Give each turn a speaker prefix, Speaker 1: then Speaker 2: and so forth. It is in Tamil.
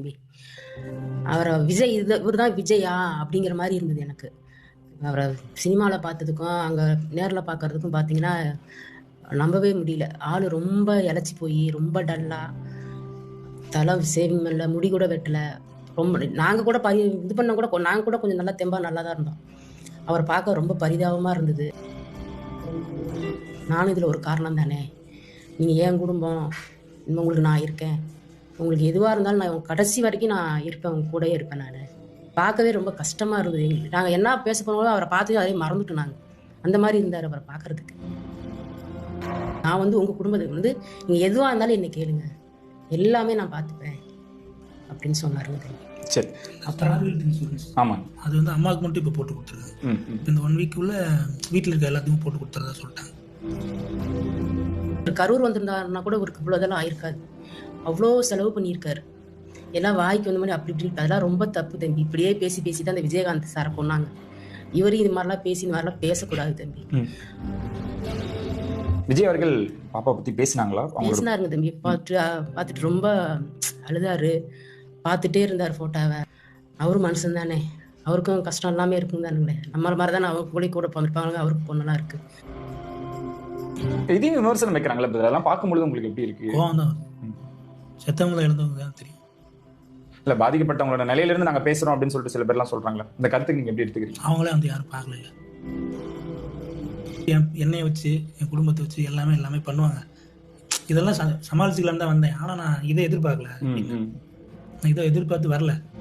Speaker 1: தம்பி. அவரை விஜய் இவர் தான் விஜயா அப்படிங்கிற மாதிரி இருந்தது எனக்கு. அவரை சினிமாவில் பார்த்ததுக்கும் அங்கே நேரில் பார்க்கறதுக்கும் பார்த்தீங்கன்னா நம்பவே முடியல. ஆள் ரொம்ப இழைச்சி போய் ரொம்ப டல்லாக, தலை சேவிங் பண்ணல, முடி கூட வெட்டலை. ரொம்ப நாங்கள் கூட இது பண்ண கூட நாங்கள் கூட கொஞ்சம் நல்லா தெம்பாக நல்லா தான் இருந்தோம். அவரை பார்க்க ரொம்ப பரிதாபமாக இருந்தது. நானும் இதில் ஒரு காரணம் தானே. நீங்கள் என் குடும்பம், இன்னும் உங்களுக்கு நான் இருக்கேன். உங்களுக்கு எதுவாக இருந்தாலும் நான் கடைசி வரைக்கும் நான் இருப்பேன், உங்க கூடயே இருப்பேன். நான் பார்க்கவே ரொம்ப கஷ்டமாக இருந்தது எங்களுக்கு. நாங்கள் என்ன பேச போனாலும் அவரை பார்த்து அதே மறந்துட்டோம். நாங்கள் அந்த மாதிரி இருந்தார் அவரை பார்க்கறதுக்கு. நான் உங்கள் குடும்பத்துக்கு நீங்கள் எதுவாக இருந்தாலும் என்னை கேளுங்க, எல்லாமே நான் பார்த்துப்பேன் அப்படின்னு சொன்னாருங்க.
Speaker 2: சரி,
Speaker 3: அப்புறம்
Speaker 2: ஆமாம்,
Speaker 3: அது அம்மாவுக்கு மட்டும் இப்போ போட்டு கொடுத்துருக்காங்க. இப்போ இந்த 1 வீக்குள்ள வீட்டில் இருக்க எல்லாத்தையும் போட்டு கொடுத்துறதா சொல்லிட்டாங்க.
Speaker 1: கரூர் வந்திருந்தாருன்னா கூட ஒரு இவ்வளோதெல்லாம் ஆயிருக்காது. அவ்வளோ செலவு பண்ணியிருக்காரு. எல்லாம் வாய்க்கு வந்த மாதிரி அப்படி இப்படி. அதெல்லாம் ரொம்ப தப்பு தம்பி. இப்படியே பேசி பேசி தான் அந்த விஜயகாந்த் சாரை கொண்டாங்க. இவரையும் இது மாதிரிலாம் பேசி இந்த மாதிரிலாம் பேசக்கூடாது தம்பி.
Speaker 2: விஜய் அவர்கள் பாப்பா பற்றி பேசினாங்களா?
Speaker 1: பேசினாருங்க தம்பி. பார்த்துட்டு ரொம்ப அழுதாரு. பார்த்துட்டே இருந்தார் ஃபோட்டோவை. அவரும் மனுஷன் தானே, அவருக்கும் கஷ்டம் எல்லாமே இருக்கும் தானுங்களே. நம்மள மாதிரி தானே அவங்க கூட பிறந்திருப்பாங்க. அவருக்கு பொண்ணெல்லாம் இருக்கு.
Speaker 2: இதையும் விமர்சனம் வைக்கிறாங்களா? இதெல்லாம் பார்க்கும்பொழுது உங்களுக்கு எப்படி இருக்கு?
Speaker 3: கோவம் தான். செத்தவங்களை எழுந்தவங்க தான் தெரியும்.
Speaker 2: இல்லை, பாதிக்கப்பட்டவங்களோட நிலையிலிருந்து நாங்கள் பேசுகிறோம் அப்படின்னு சொல்லிட்டு சில பேர்லாம் சொல்கிறாங்களா? இந்த கருத்துக்கு நீங்கள் எப்படி எடுத்துக்கிறீங்க?
Speaker 3: அவங்களே யாரும் பார்க்கல. என்னையை வச்சு என் குடும்பத்தை வச்சு எல்லாமே பண்ணுவாங்க. இதெல்லாம் சமாளிச்சுக்கலான்னு தான் வந்தேன். ஆனால் நான் இதை எதிர்பார்க்கல. நான் இதை எதிர்பார்த்து வரல.